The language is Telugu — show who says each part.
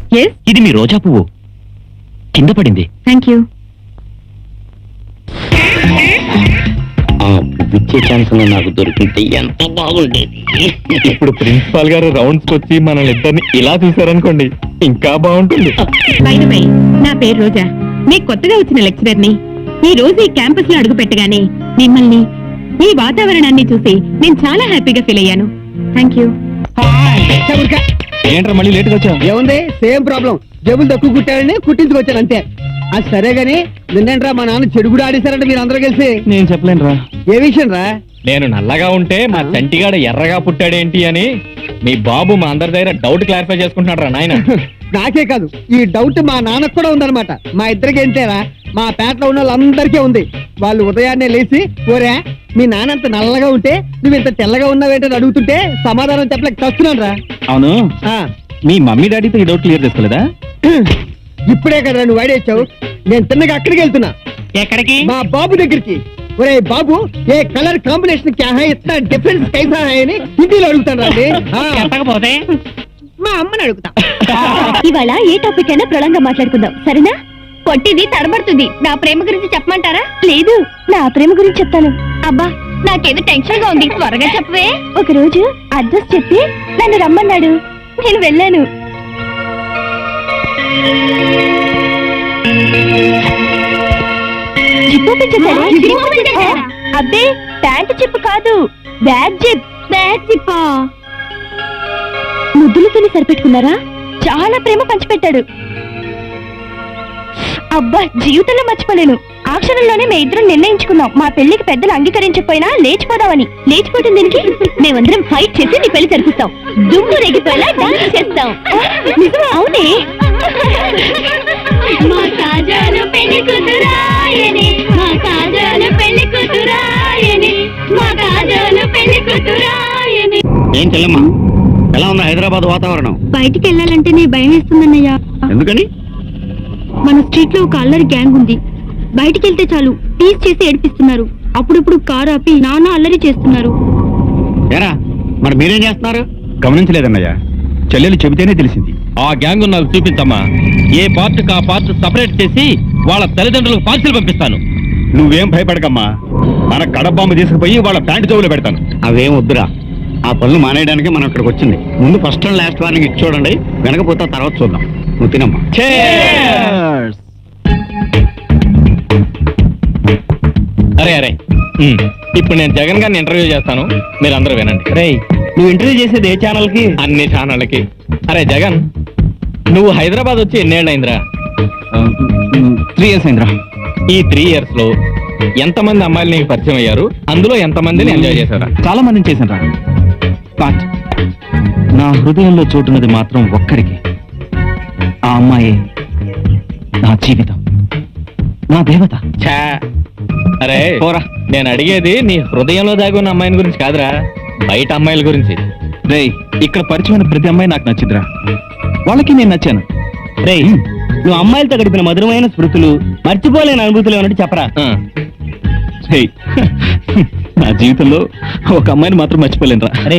Speaker 1: ఇది మీ రోజా పువ్వు కింద పడింది.
Speaker 2: Thank you.
Speaker 1: ఇచ్చే ఛాన్స్ నాకు దొరికింది ఎంత బాగుండేది.
Speaker 3: ఇప్పుడు ప్రిన్సిపాల్ గారు రౌండ్స్ వచ్చి మనల్ని ఇద్దరిని ఇలా చూసారనుకోండి ఇంకా బాగుంటుంది.
Speaker 2: బై ది వే, నా పేరు రోజా, మీకు కొత్తగా వచ్చిన లెక్చరర్ ని. ఈ రోజు ఈ క్యాంపస్ లో అడుగు పెట్టగానే మిమ్మల్ని, ఈ వాతావరణాన్ని చూసి నేను చాలా హ్యాపీగా ఫీల్ అయ్యాను. Thank you.
Speaker 3: ఏంట్రా మళ్ళీ లేట్గా వచ్చా?
Speaker 4: ఏముంది, సేమ్ ప్రాబ్లం. జబ్బులు తక్కువ కుట్టారని కుట్టించుకొచ్చాను అంతే. అది సరే గాని నిన్నేంట్రా మా నాన్న చెడు కూడా ఆడేశారంటే మీరు అందరూ కలిసి.
Speaker 3: నేను చెప్పలేనురా.
Speaker 4: ఏ విషయం రా?
Speaker 3: నేను నల్లగా ఉంటే మా చంటిగాడ ఎర్రగా పుట్టాడేంటి అని మీ బాబు మా అందరి దగ్గర డౌట్ క్లారిఫై చేసుకుంటున్నాడు రా నాయన.
Speaker 4: నాకే కాదు, ఈ డౌట్ మా నాన్నకు కూడా ఉందన్నమాట. మా ఇద్దరికి ఏంటేరా, మా పేటలో ఉన్న వాళ్ళందరికీ ఉంది. వాళ్ళు ఉదయాన్నే లేచి, ఓరే మీ నాన్న అంత నల్లగా ఉంటే నువ్వు ఇంత తెల్లగా ఉన్నావేంటని అడుగుతుంటే సమాధానం చెప్పలేక చస్తున్నాను రా.
Speaker 3: అవును, మీ మమ్మీ డాడీతో ఈ డౌట్ క్లియర్ చేసుకోలేదా?
Speaker 4: ఇప్పుడే కదా నువ్వు వాడేచ్చావు. నేను తిన్నగా అక్కడికి వెళ్తున్నా.
Speaker 1: ఎక్కడికి?
Speaker 4: మా బాబు దగ్గరికి. ఒరే బాబు, ఏ కలర్ కాంబినేషన్ క్యా హై, ఇतना డిఫరెన్స్ कैसा है అని హిందీలో అడుగుతాను రండి.
Speaker 1: చెప్పకపోతే
Speaker 4: మా అమ్మని అడుగుతా.
Speaker 2: ఇవాళ ఏ టాపిక్ అయినా ప్రళంగా మాట్లాడుకుందాం, సరేనా? పొట్టిది తడబడుతుంది. నా ప్రేమ గురించి చెప్పమంటారా? లేదు, నా ప్రేమ గురించి చెప్తాను. అబ్బా, నాకేదో టెన్షన్ గా ఉంది, త్వరగా చెప్పవే. ఒక రోజు అడ్రస్ చెప్పి నన్ను రమ్మన్నాడు. నేను వెళ్ళాను. అబ్బే, ప్యాంటు చెప్పు కాదు, బ్యాగ్ జిప్. బ్యాగ్ జిప్పా? ముద్దులతోనే సరిపెట్టుకున్నారా? చాలా ప్రేమ పంచిపెట్టాడు. అబ్బా, జీవితంలో మర్చిపోలేను. ఆ క్షణంలోనే మేము ఇద్దరం నిర్ణయించుకున్నాం, మా పెళ్లికి పెద్దలు అంగీకరించకపోయినా లేచిపోదామని. లేచిపోతుంది దీనికి, మేమందరం ఫైట్ చేసి నీ పెళ్లి జరిపిస్తాం. దుమ్ము రేగిపోయేలా డాన్స్ చేస్తాం. అవునే? మా కాజాలు పెళ్లి కూతురాయని, మా కాజాలు పెళ్లి కూతురాయని, మా కాజాలు పెళ్లి కూతురాయని.
Speaker 1: ఏం చెల్లమ్మా, ఎలా ఉంది హైదరాబాద్ వాతావరణం?
Speaker 2: బయటికి వెళ్ళాలంటే నీ భయం వేస్తుందన్నయ్యా.
Speaker 1: ఎందుకని?
Speaker 2: మన స్ట్రీట్ లో ఒక అల్లరి గ్యాంగ్ ఉంది. బయటికి వెళ్తే చాలు టీస్ చేసి ఏడిపిస్తున్నారు. అప్పుడప్పుడు కారు ఆపి నాన్న అల్లరి చేస్తున్నారు.
Speaker 1: ఏరా, మరి మీరేం చేస్తున్నారు?
Speaker 3: గమనించలేదన్నయ్య, చెల్లెలు చెబితేనే తెలిసింది.
Speaker 5: ఆ గ్యాంగ్ నాకు చూపించమ్మా. ఏ పార్ట్ కా పార్ట్ సపరేట్ చేసి వాళ్ళ తల్లిదండ్రులకు పార్సిల్ పంపిస్తాను.
Speaker 3: నువ్వేం భయపడకమ్మా, మన కడబాంబు తీసుకుపోయి వాళ్ళ ప్యాంటు జోబులో పెడతాను.
Speaker 1: అవేం వద్దురా, ఆ పనులు మానేయడానికి మనం ఇక్కడికి వచ్చింది. ముందు ఫస్ట్ అండ్ లాస్ట్ వార్నింగ్ ఇచ్చి చూడండి, వెనకపోతే తర్వాత చూద్దాం. నువ్వు తినమ్మా.
Speaker 5: అరే అరే, ఇప్పుడు నేను జగన్ గారిని ఇంటర్వ్యూ చేస్తాను, మీరు అందరూ వినండి.
Speaker 3: రేయ్, నువ్వు ఇంటర్వ్యూ చేసేది ఏ ఛానల్ కి?
Speaker 5: అన్ని ఛానళ్ళకి. అరే జగన్, నువ్వు హైదరాబాద్ వచ్చి ఎన్నేళ్ళైందిరా?
Speaker 3: 3 years అయిందిరా.
Speaker 5: ఈ 3 years లో ఎంతమంది అమ్మాయిలు నీకు పరిచయం అయ్యారు? అందులో ఎంతమందిని ఎంజాయ్ చేశారా?
Speaker 3: చాలా మందిని చేశాను రా, బట్ నా హృదయంలో చోటున్నది మాత్రం ఒక్కరికి. ఆ అమ్మాయి నా జీవితం, నా దేవత.
Speaker 5: ఛా, అరే
Speaker 3: పోరా.
Speaker 5: నేను అడిగేది నీ హృదయంలో దాగి ఉన్న అమ్మాయిని గురించి కాదురా, బయట అమ్మాయిల గురించి.
Speaker 3: రేయ్, ఇక్కడ పరిచయమైన ప్రతి అమ్మాయి నాకు నచ్చిందిరా, వాళ్ళకి నేను నచ్చాను.
Speaker 4: రేయ్, నువ్వు అమ్మాయిలతో గడిపిన మధురమైన స్మృతులు, మర్చిపోలేని అనుభూతులు ఏమన్నట్టు చెప్పరా.
Speaker 3: రేయ్, నా జీవితంలో ఒక అమ్మాయిని మాత్రం మర్చిపోలేనురా.